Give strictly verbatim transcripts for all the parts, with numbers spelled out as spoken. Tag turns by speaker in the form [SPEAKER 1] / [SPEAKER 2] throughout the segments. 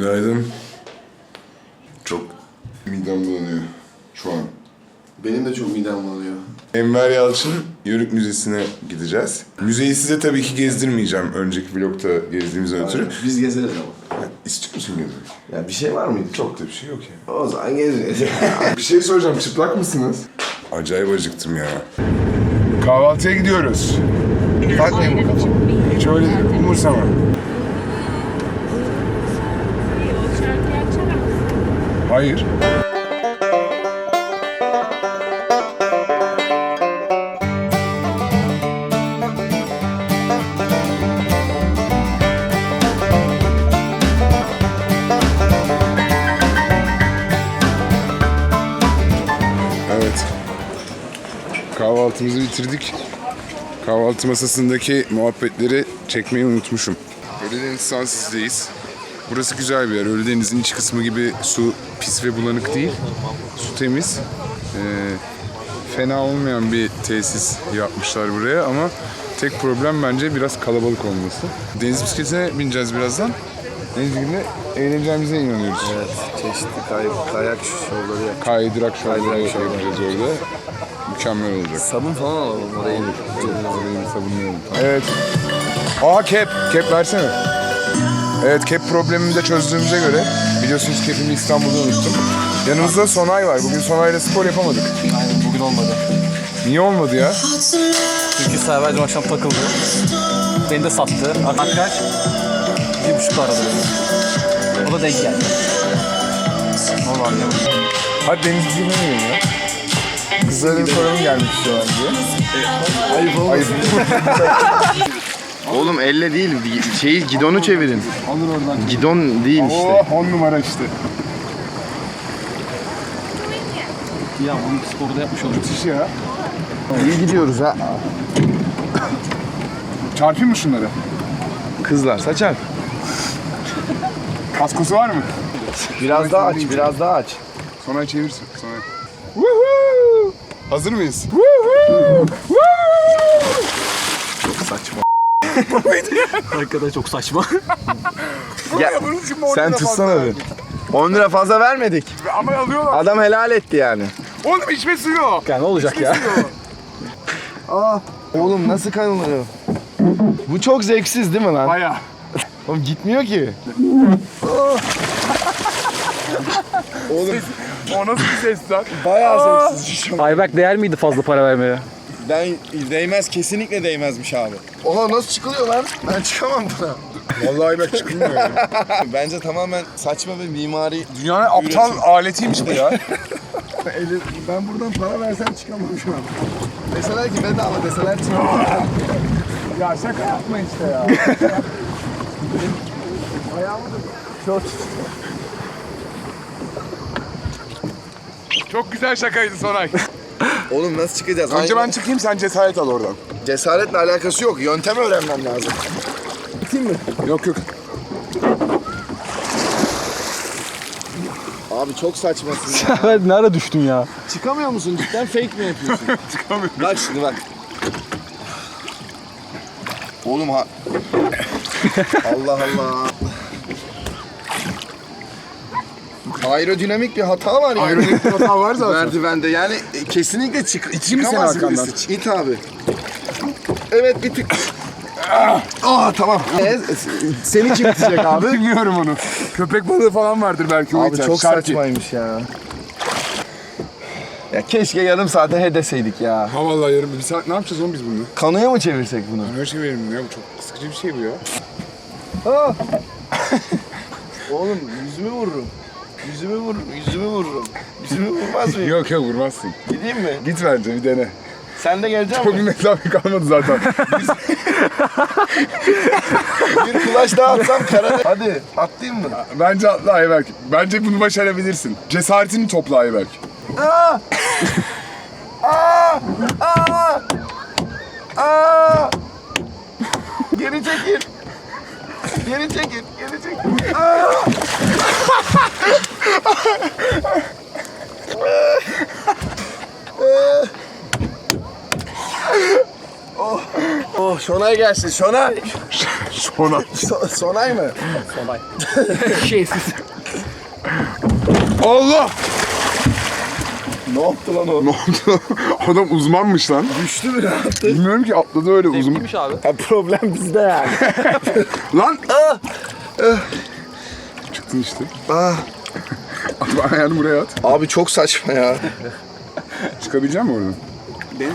[SPEAKER 1] Günaydın. Çok midem bulanıyor şu an.
[SPEAKER 2] Benim de çok midem bulanıyor.
[SPEAKER 1] Enver Yalçın Yörük Müzesi'ne gideceğiz. Müzeyi size tabii ki gezdirmeyeceğim önceki vlogta gezdiğimizden ötürü.
[SPEAKER 2] Biz gezeriz ama.
[SPEAKER 1] Ha, İstiyor musun gezmek?
[SPEAKER 2] Ya bir şey var mıydı?
[SPEAKER 1] Çok da bir şey yok ya.
[SPEAKER 2] O zaman gezeriz.
[SPEAKER 1] Bir şey soracağım, çıplak mısınız? Acayip acıktım ya. Kahvaltıya gidiyoruz. Takmayın bu kafamı. Hiç öyle umursama. Hayır. Evet. Kahvaltımızı bitirdik. Kahvaltı masasındaki muhabbetleri çekmeyi unutmuşum. Ölüdeniz Sansiz'deyiz. Burası güzel bir yer. Ölüdeniz'in iç kısmı gibi su pis ve bulanık değil. Su temiz. Ee, fena olmayan bir tesis yapmışlar buraya ama tek problem bence biraz kalabalık olması. Deniz bisikletine bineceğiz birazdan. Deniz bisikletine eğleneceğimize inanıyoruz.
[SPEAKER 2] Evet, çeşitli kay kayak şovları yap.
[SPEAKER 1] Kaydırak şovları
[SPEAKER 2] Kaydırak şovları.
[SPEAKER 1] yapacağız orada. Mükemmel olacak.
[SPEAKER 2] Sabun falan alalım oraya.
[SPEAKER 1] Orayı bir sabunlayalım. Evet. Aa kep. Kep versene. Evet, kep problemimi de çözdüğümüze göre biliyorsunuz kepimi İstanbul'da unuttum. Yanımızda Sonay var. Bugün Sonay'la spor yapamadık.
[SPEAKER 3] Aynen bugün olmadı.
[SPEAKER 1] Niye olmadı ya?
[SPEAKER 3] Çünkü Server dün akşam takıldı. Beni de sattı. Arkadaş bir buçuk aradı beni. O da denk geldi. Ne oldu anlayamadım.
[SPEAKER 1] Hadi deniz bizi demeyelim ya. Kızların sorunun gelmek istiyorlar diye.
[SPEAKER 2] Ayıp olmasın.
[SPEAKER 1] Ayıp.
[SPEAKER 2] Oğlum elle değil, şeyi gidonu çevirin.
[SPEAKER 1] Alır oradan.
[SPEAKER 2] Gidon değil işte.
[SPEAKER 1] Oh, on numara işte.
[SPEAKER 3] Ya bunu sporu da yapmış olacak.
[SPEAKER 1] Müthiş ya.
[SPEAKER 2] İyi gidiyoruz ha.
[SPEAKER 1] Çarpayım mı şunları?
[SPEAKER 2] Kızlar saçar.
[SPEAKER 1] Kaskosu var mı?
[SPEAKER 2] Biraz daha aç, biraz daha aç.
[SPEAKER 1] Sonay çevirsin. Sonay. Woohoo! Hazır mıyız? Woohoo!
[SPEAKER 2] Çok saçma.
[SPEAKER 3] Arkadaş çok saçma.
[SPEAKER 2] Ya,
[SPEAKER 1] Bunun için mi on
[SPEAKER 2] sen
[SPEAKER 1] lira
[SPEAKER 2] tutsana
[SPEAKER 1] fazla
[SPEAKER 2] bir.
[SPEAKER 1] verdik?
[SPEAKER 2] on lira fazla vermedik.
[SPEAKER 1] Ama alıyorlar.
[SPEAKER 2] Adam helal etti yani.
[SPEAKER 1] Oğlum içme suyu.
[SPEAKER 3] Ya ne olacak ya?
[SPEAKER 2] Aa, oğlum nasıl kanılıyor? Bu çok zevksiz değil mi lan?
[SPEAKER 1] Baya.
[SPEAKER 2] Oğlum gitmiyor ki. Oğlum
[SPEAKER 1] O nasıl bir ses lan?
[SPEAKER 2] bayağı zevksiz.
[SPEAKER 3] Ayberk değer miydi fazla para vermeye?
[SPEAKER 2] Ben değmez, kesinlikle değmezmiş abi. Oha nasıl çıkılıyor lan? Ben çıkamam buna.
[SPEAKER 1] Vallahi bak çıkılmıyor ya.
[SPEAKER 2] Bence tamamen saçma bir mimari.
[SPEAKER 1] Dünyanın aptal aletiymiş bu ya.
[SPEAKER 2] Eli- ben buradan para versem çıkamam şu an. Deseler ki bedava deseler çıkamam.
[SPEAKER 1] Ya şaka yapma işte ya. Çok güzel şakaydı Sonay.
[SPEAKER 2] Oğlum nasıl çıkacağız?
[SPEAKER 1] Önce ben
[SPEAKER 2] Aynı-
[SPEAKER 1] çıkayım, sen cesaret al oradan.
[SPEAKER 2] Cesaretle alakası yok. Yöntem öğrenmem lazım. Biteyim mi?
[SPEAKER 1] Yok yok.
[SPEAKER 2] Abi çok saçmasın ya.
[SPEAKER 3] Server ne ara düştün ya?
[SPEAKER 2] Çıkamıyor musun? Cidden fake mi yapıyorsun?
[SPEAKER 1] Çıkamıyorum.
[SPEAKER 2] Bak şimdi bak. Oğlum ha... Allah Allah. Aerodinamik bir hata var yani.
[SPEAKER 1] Aerodinamik bir hata var zaten.
[SPEAKER 2] Merdivende yani e, kesinlikle çık
[SPEAKER 1] İteyim mi seni
[SPEAKER 2] çıkamaz
[SPEAKER 1] arkandan?
[SPEAKER 2] birisi. İt abi. Evet bir tık. Ah tamam. E, seni kim itecek abi?
[SPEAKER 1] Bilmiyorum onu. Köpek balığı falan vardır belki o
[SPEAKER 2] Abi
[SPEAKER 1] iter.
[SPEAKER 2] çok
[SPEAKER 1] Şarkı.
[SPEAKER 2] saçmaymış ya. Ya keşke yarım saate he deseydik ya.
[SPEAKER 1] Ha vallahi yarım bir saat ne yapacağız oğlum biz bunu?
[SPEAKER 2] Kanoya mı çevirsek bunu?
[SPEAKER 1] Her şey verim ya, bu çok sıkıcı bir şey bu ya.
[SPEAKER 2] Ah! Oğlum yüzümü vururum. Yüzümü vururum, yüzümü vururum. Yüzümü vurmaz mıyım?
[SPEAKER 1] Yok yok vurmazsın.
[SPEAKER 2] Gideyim mi?
[SPEAKER 1] Git bence bir dene.
[SPEAKER 2] Sen de gelecek
[SPEAKER 1] Çok bir
[SPEAKER 2] misin?
[SPEAKER 1] mesafe kalmadı zaten.
[SPEAKER 2] Bir kulaç daha atsam karada. Hadi atlayayım mı?
[SPEAKER 1] Bence atla Ayberk. Bence bunu başarabilirsin. Cesaretini topla Ayberk.
[SPEAKER 2] Aa! Aa! Aa! Aa! Geri çekil. Geri çekil, geri çekil. Aa! Oh, oh Şonay gelsin, Şonay.
[SPEAKER 1] Sonay.
[SPEAKER 2] So- Sonay mı?
[SPEAKER 3] Sonay. Şeysiz.
[SPEAKER 1] Allah!
[SPEAKER 2] Ne yaptı lan o?
[SPEAKER 1] Ne oldu? Adam uzmanmış lan.
[SPEAKER 2] Düştü mü, ne yaptı?
[SPEAKER 1] Bilmiyorum ki, atladı öyle uzun.
[SPEAKER 3] Zevkliymiş abi.
[SPEAKER 2] Ha, problem bizde yani.
[SPEAKER 1] Lan! Çıktın işte.
[SPEAKER 2] Ah.
[SPEAKER 1] At ayağını buraya at.
[SPEAKER 2] Abi çok saçma ya.
[SPEAKER 1] Çıkabilecek misin oradan?
[SPEAKER 3] Benim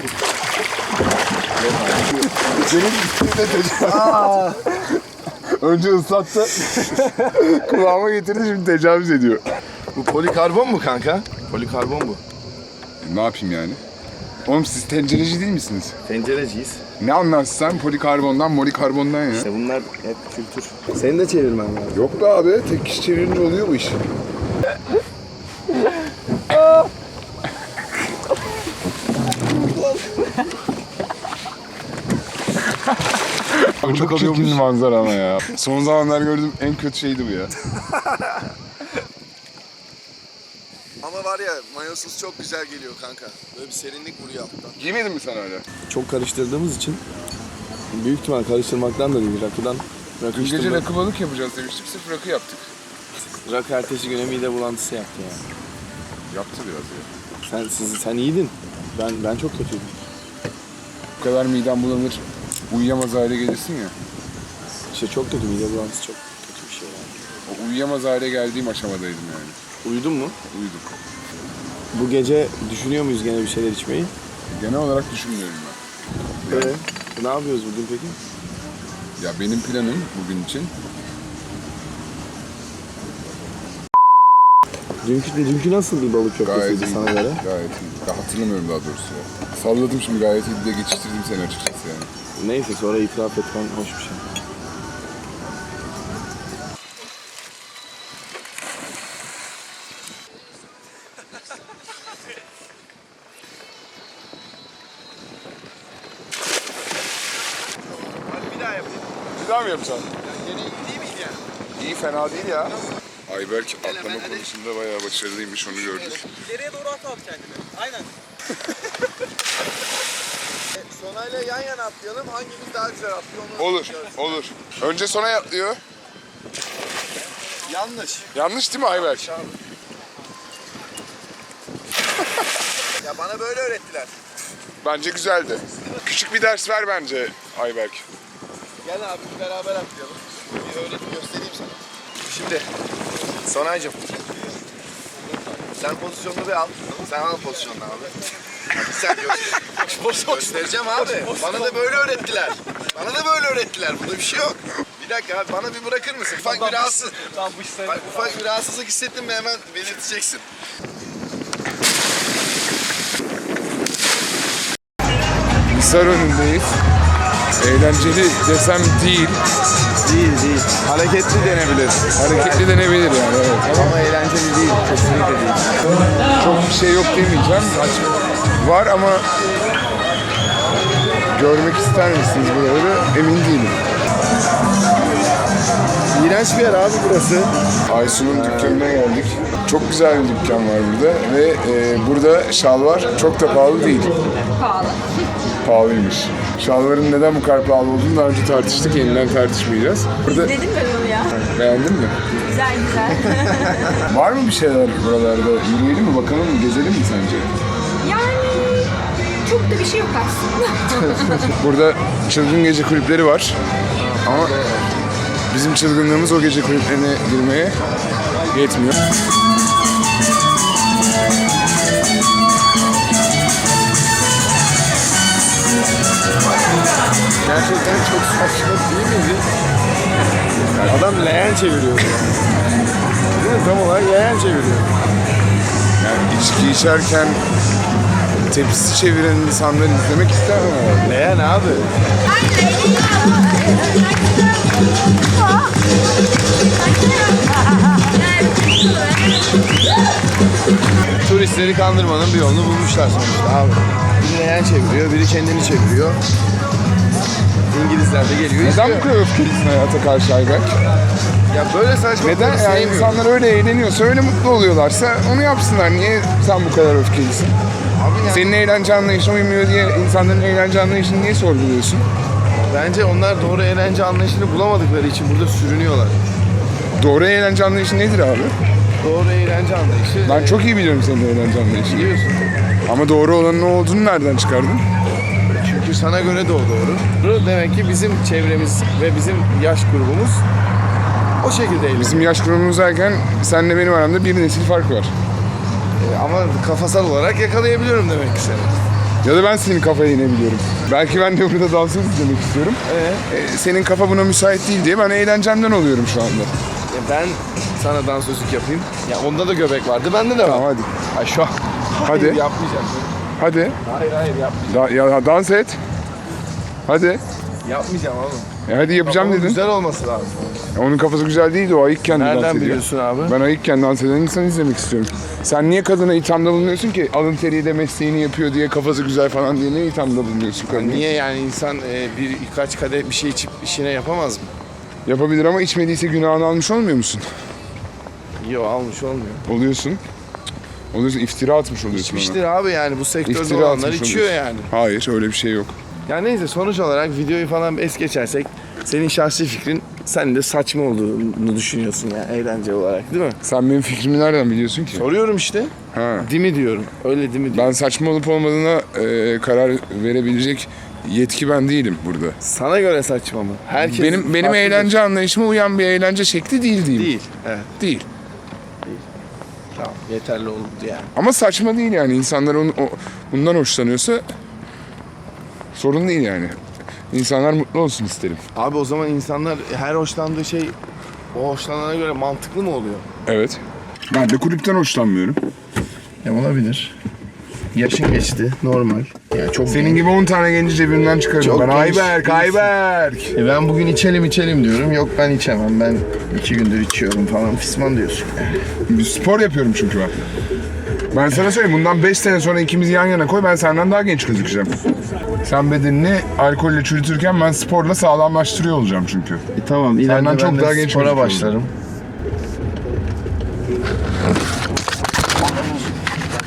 [SPEAKER 2] Aa.
[SPEAKER 1] Önce ıslattı. Kulağıma getirdi, şimdi tecavüz ediyor.
[SPEAKER 2] Bu polikarbon mu kanka? Polikarbon bu.
[SPEAKER 1] Ne yapayım yani? Oğlum siz tencereci değil misiniz?
[SPEAKER 2] Tencereciyiz.
[SPEAKER 1] Ne anlarsın sen polikarbondan, molikarbondan ya?
[SPEAKER 2] İşte bunlar hep kültür. Seni de çevirmen lazım.
[SPEAKER 1] Yok be abi, tek kişi çevirince oluyor bu iş. Abi çok çirkin bir manzara ama ya. Son zamanlar gördüğüm en kötü şeydi bu ya.
[SPEAKER 2] Ama var ya, mayosuz çok güzel geliyor kanka. Böyle bir serinlik vuruyor alttan.
[SPEAKER 1] Giymedin mi sen öyle?
[SPEAKER 2] Çok karıştırdığımız için büyük ihtimal karıştırmaktan da değil, rakıdan. Rakı
[SPEAKER 1] Dün gece
[SPEAKER 2] içtim ben.
[SPEAKER 1] rakı balık yapacağız demiştik, sırf rakı yaptık.
[SPEAKER 2] Rakı ertesi güne mide bulantısı yaptı ya.
[SPEAKER 1] Yaptı biraz ya.
[SPEAKER 2] Sen siz sen iyiydin. Ben ben çok kötüydüm.
[SPEAKER 1] Bu kadar midem bulanır, uyuyamaz hale gelirsin ya.
[SPEAKER 2] İşte çok kötü, mide bulantısı çok kötü bir şey yani.
[SPEAKER 1] O uyuyamaz hale geldiğim aşamadaydım yani.
[SPEAKER 2] Uyudun mu?
[SPEAKER 1] Uyudum.
[SPEAKER 2] Bu gece düşünüyor muyuz gene bir şeyler içmeyi?
[SPEAKER 1] Genel olarak düşünmüyorum ben.
[SPEAKER 2] Evet. Ne yapıyoruz bugün peki?
[SPEAKER 1] Ya benim planım bugün için
[SPEAKER 2] Dünkü, dünkü nasıl bir balık
[SPEAKER 1] gayet
[SPEAKER 2] köftesiydi
[SPEAKER 1] iyi.
[SPEAKER 2] sana göre?
[SPEAKER 1] Gayet iyi. Ya hatırlamıyorum daha doğrusu ya. Salladım şimdi, gayet iyi de geçiştirdim seni açıkçası yani.
[SPEAKER 2] Neyse, sonra itiraf etmen hoş bir şey.
[SPEAKER 1] Bir daha mı yapacaksın? Yine iyi değil miydi yani? İyi, fena değil ya. Ayberk atlama konusunda bayağı başarılıymış, onu gördük.
[SPEAKER 3] İleriye doğru at abi kendini. Aynen.
[SPEAKER 2] Sonayla yan yana atlayalım. Hangimiz daha güzel atlıyor onu
[SPEAKER 1] Olur, olur. Önce sona atlıyor.
[SPEAKER 2] Yanlış.
[SPEAKER 1] Yanlış değil mi Ayberk?
[SPEAKER 2] Ya bana böyle öğrettiler.
[SPEAKER 1] Bence güzeldi. Küçük bir ders ver bence Ayberk.
[SPEAKER 2] Gel abi beraber atlayalım. Bir öğreti göstereyim sana. Şimdi Sonaycığım, sen pozisyonunu bir al. Sen al pozisyonunu abi. Hadi sen göster. Göstereceğim abi. Bana da böyle öğrettiler. Bana da böyle öğrettiler. Burada bir şey yok. Bir dakika abi, bana bir bırakır mısın? Ufak bir rahatsız.
[SPEAKER 3] Tamam bu işler.
[SPEAKER 2] Bak, ufak bir rahatsızlık hissettin mi hemen belirteceksin.
[SPEAKER 1] Hisar önündeyiz. Eğlenceli desem değil.
[SPEAKER 2] Değil değil. Hareketli denebilir.
[SPEAKER 1] Hareketli denebilir yani, evet.
[SPEAKER 2] Ama eğlenceli değil. Kesinlikle değil.
[SPEAKER 1] Çok bir şey yok demeyeceğim. Var ama görmek ister misiniz buraları emin değilim.
[SPEAKER 2] İğrenç bir yer abi burası.
[SPEAKER 1] Aysun'un dükkanına geldik. Çok güzel bir dükkan var burada ve e, burada şalvar çok da pahalı değil.
[SPEAKER 4] Pahalı.
[SPEAKER 1] Pahalıymış. Şalvarın neden bu kadar pahalı olduğunu daha önce tartıştık, yeniden tartışmayacağız. Burada
[SPEAKER 4] Dedim ben onu ya.
[SPEAKER 1] beğendin mi?
[SPEAKER 4] Güzel güzel.
[SPEAKER 1] Var mı bir şeyler buralarda? Yürüyelim mi, bakalım mı, gezelim mi sence?
[SPEAKER 4] Yani çok da bir şey yok aslında.
[SPEAKER 1] Burada çılgın gece kulüpleri var. Ama bizim çılgınlığımız o gece kulüplerine girmeye yetmiyor.
[SPEAKER 2] Gerçekten çok saçma değil miydi? Adam leğen çeviriyor. Değil mi? Tam olarak leğen çeviriyor.
[SPEAKER 1] Yani içki içerken tepsi çeviren insanları izlemek istemem ama.
[SPEAKER 2] Leğen abi. Turistleri kandırmanın bir yolunu bulmuşlar sonuçta abi. Biri leğen çeviriyor, biri kendini çeviriyor. İngilizler de geliyor.
[SPEAKER 1] Neden
[SPEAKER 2] izliyor.
[SPEAKER 1] bu kadar öfkelisin hayata karşı Ayberk?
[SPEAKER 2] Ya böyle saçma
[SPEAKER 1] Neden?
[SPEAKER 2] yani
[SPEAKER 1] Yani insanlar öyle eğleniyorsa, öyle mutlu oluyorlarsa onu yapsınlar. Niye sen bu kadar öfkelisin?
[SPEAKER 2] Abi yani
[SPEAKER 1] Senin eğlence anlayışına uymuyor diye insanların eğlence anlayışını niye sorguluyorsun?
[SPEAKER 2] Bence onlar doğru eğlence anlayışını bulamadıkları için burada sürünüyorlar.
[SPEAKER 1] Doğru eğlence anlayışı nedir abi?
[SPEAKER 2] Doğru eğlence anlayışı...
[SPEAKER 1] Ben
[SPEAKER 2] e,
[SPEAKER 1] çok iyi biliyorum senin eğlence anlayışını.
[SPEAKER 2] biliyorsun.
[SPEAKER 1] Ama doğru olanın ne olduğunu nereden çıkardın?
[SPEAKER 2] Çünkü sana göre de o doğru. Demek ki bizim çevremiz ve bizim yaş grubumuz o şekilde eğleniyor.
[SPEAKER 1] Bizim yaş grubumuz derken senle benim aramda bir nesil fark var.
[SPEAKER 2] E, ama kafasal olarak yakalayabiliyorum demek ki seni.
[SPEAKER 1] Ya da ben senin kafaya inebiliyorum. Belki ben de burada dansöz izlemek istiyorum.
[SPEAKER 2] Ee?
[SPEAKER 1] Ee, senin kafa buna müsait değil diye ben eğlencemden oluyorum şu anda.
[SPEAKER 2] E, ben sana dansözlük yapayım. Ya onda da göbek vardı, bende de var.
[SPEAKER 1] Tamam hadi.
[SPEAKER 2] Ay şu an.
[SPEAKER 1] Hadi.
[SPEAKER 2] Hayır, yapmayacağım.
[SPEAKER 1] Hadi.
[SPEAKER 2] Hayır hayır yapmayacağım.
[SPEAKER 1] Da, ya, dans et. Hadi.
[SPEAKER 2] Yapmayacağım oğlum.
[SPEAKER 1] E hadi yapacağım
[SPEAKER 2] Ama
[SPEAKER 1] dedin.
[SPEAKER 2] güzel olması lazım.
[SPEAKER 1] Onun kafası güzel değildi, o ayıkken de dans
[SPEAKER 2] Nereden
[SPEAKER 1] ediyor.
[SPEAKER 2] biliyorsun abi?
[SPEAKER 1] Ben ayıkken dans eden insan izlemek istiyorum. Sen niye kadına ithamda bulunuyorsun ki? Alın teriyle mesleğini yapıyor diye, kafası güzel falan diye ne ithamda bulunuyorsun kadına?
[SPEAKER 2] Niye yani insan e, bir birkaç kadeh bir şey içip işine yapamaz mı?
[SPEAKER 1] Yapabilir ama içmediyse günahını almış olmuyor musun?
[SPEAKER 2] Yok almış olmuyor.
[SPEAKER 1] Oluyorsun. Oluyorsun, iftira atmış oluyorsun ona.
[SPEAKER 2] İçmiştir abi yani bu sektörde
[SPEAKER 1] İftira
[SPEAKER 2] olanlar
[SPEAKER 1] atmış
[SPEAKER 2] içiyor
[SPEAKER 1] oluyorsun.
[SPEAKER 2] yani.
[SPEAKER 1] Hayır, öyle bir şey yok.
[SPEAKER 2] Yani neyse sonuç olarak videoyu falan es geçersek senin şahsi fikrin sen de saçma olduğunu düşünüyorsun yani eğlence olarak değil mi?
[SPEAKER 1] Sen benim fikrimi nereden biliyorsun ki?
[SPEAKER 2] Soruyorum işte.
[SPEAKER 1] Ha.
[SPEAKER 2] Değil mi diyorum. Öyle değil mi diyorum.
[SPEAKER 1] Ben saçma olup olmadığına e, karar verebilecek yetki ben değilim burada.
[SPEAKER 2] Sana göre saçma mı? Herkes
[SPEAKER 1] benim benim
[SPEAKER 2] farklıdır.
[SPEAKER 1] eğlence anlayışıma uyan bir eğlence şekli değil diyeyim.
[SPEAKER 2] Değil. Evet.
[SPEAKER 1] Değil.
[SPEAKER 2] Tamam. Yeterli oldu yani.
[SPEAKER 1] Ama saçma değil yani. İnsanlar onu, o, bundan hoşlanıyorsa sorun değil yani. İnsanlar mutlu olsun isterim.
[SPEAKER 2] Abi o zaman insanlar her hoşlandığı şey o hoşlanana göre mantıklı mı oluyor?
[SPEAKER 1] Evet. Ben de kulüpten hoşlanmıyorum.
[SPEAKER 2] Ya olabilir. Yaşın geçti. Normal. Yani çok
[SPEAKER 1] Senin gibi on tane genci cebimden çıkarırım.
[SPEAKER 2] Çok
[SPEAKER 1] Ben
[SPEAKER 2] genç
[SPEAKER 1] Ayberk,
[SPEAKER 2] değilsin.
[SPEAKER 1] Ayberk.
[SPEAKER 2] E ben bugün içelim içelim diyorum. Yok ben içemem. Ben iki gündür içiyorum falan. Fisman diyorsun.
[SPEAKER 1] Bir spor yapıyorum çünkü ben. Ben sana söyleyeyim, bundan beş sene sonra ikimizi yan yana koy, ben senden daha genç gözükeceğim. Sen bedenini alkolle çürütürken ben sporla sağlamlaştırıyor olacağım çünkü.
[SPEAKER 2] E tamam.
[SPEAKER 1] Senden
[SPEAKER 2] İleride
[SPEAKER 1] çok
[SPEAKER 2] ben de
[SPEAKER 1] daha genç
[SPEAKER 2] spora
[SPEAKER 1] gözüküyorum.
[SPEAKER 2] başlarım.